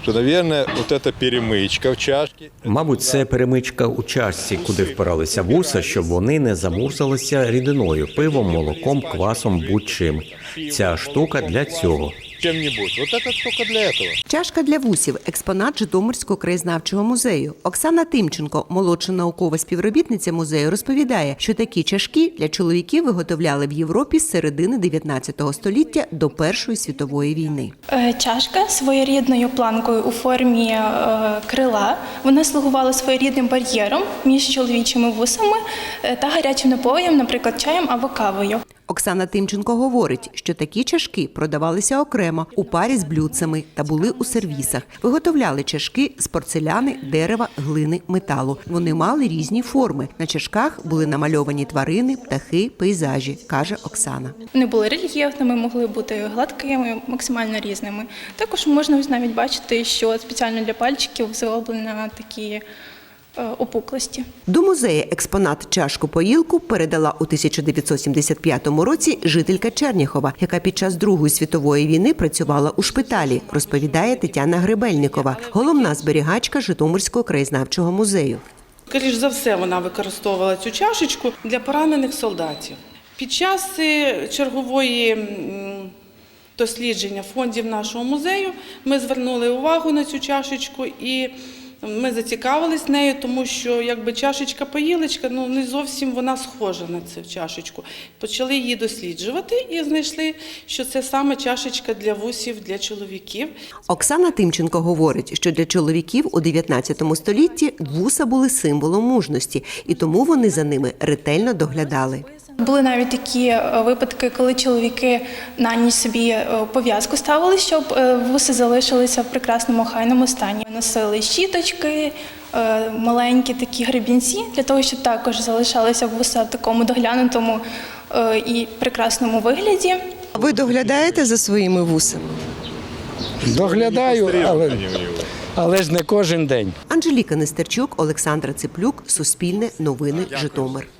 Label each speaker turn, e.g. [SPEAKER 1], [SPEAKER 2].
[SPEAKER 1] то, наверное, вот эта перемычка в чашке.
[SPEAKER 2] Мабуть, це перемичка у чашці, куди впиралися вуса, щоб вони не замурзалися рідиною, пивом, молоком, квасом, будь-чим. Ця штука для цього.
[SPEAKER 1] Чем-нибудь. Вот это только для этого.
[SPEAKER 3] Чашка для вусів – експонат Житомирського краєзнавчого музею. Оксана Тимченко, молодша наукова співробітниця музею, розповідає, що такі чашки для чоловіків виготовляли в Європі з середини 19 століття до Першої світової війни.
[SPEAKER 4] Чашка своєрідною планкою у формі крила. Вона слугувала своєрідним бар'єром між чоловічими вусами та гарячим напоєм, наприклад, чаєм або кавою.
[SPEAKER 3] Оксана Тимченко говорить, що такі чашки продавалися окремо, у парі з блюдцями та були у сервісах. Виготовляли чашки з порцеляни, дерева, глини, металу. Вони мали різні форми. На чашках були намальовані тварини, птахи, пейзажі, каже Оксана.
[SPEAKER 4] Вони були рельєфними, могли бути гладкими, максимально різними. Також можна навіть бачити, що спеціально для пальчиків зроблено такі опуклості.
[SPEAKER 3] До музею експонат чашку-поїлку передала у 1975 році жителька Черняхова, яка під час Другої світової війни працювала у шпиталі, розповідає Тетяна Гребельникова, головна зберігачка Житомирського краєзнавчого музею.
[SPEAKER 5] Скоріш за все, вона використовувала цю чашечку для поранених солдатів. Під час чергової дослідження фондів нашого музею ми звернули увагу на цю чашечку і ми зацікавились нею, тому що якби чашечка-поїлочка, не зовсім вона схожа на цю чашечку. Почали її досліджувати і знайшли, що це саме чашечка для вусів, для чоловіків.
[SPEAKER 3] Оксана Тимченко говорить, що для чоловіків у 19 столітті вуса були символом мужності, і тому вони за ними ретельно доглядали.
[SPEAKER 4] Були навіть такі випадки, коли чоловіки на ніч собі пов'язку ставили, щоб вуси залишилися в прекрасному охайному стані. Носили щіточки, маленькі такі гребінці, для того, щоб також залишалися вуса в такому доглянутому і прекрасному вигляді.
[SPEAKER 3] Ви доглядаєте за своїми вусами?
[SPEAKER 6] Доглядаю, але ж не кожен день.
[SPEAKER 3] Анжеліка Нестерчук, Олександра Циплюк, Суспільне, Новини, Житомир.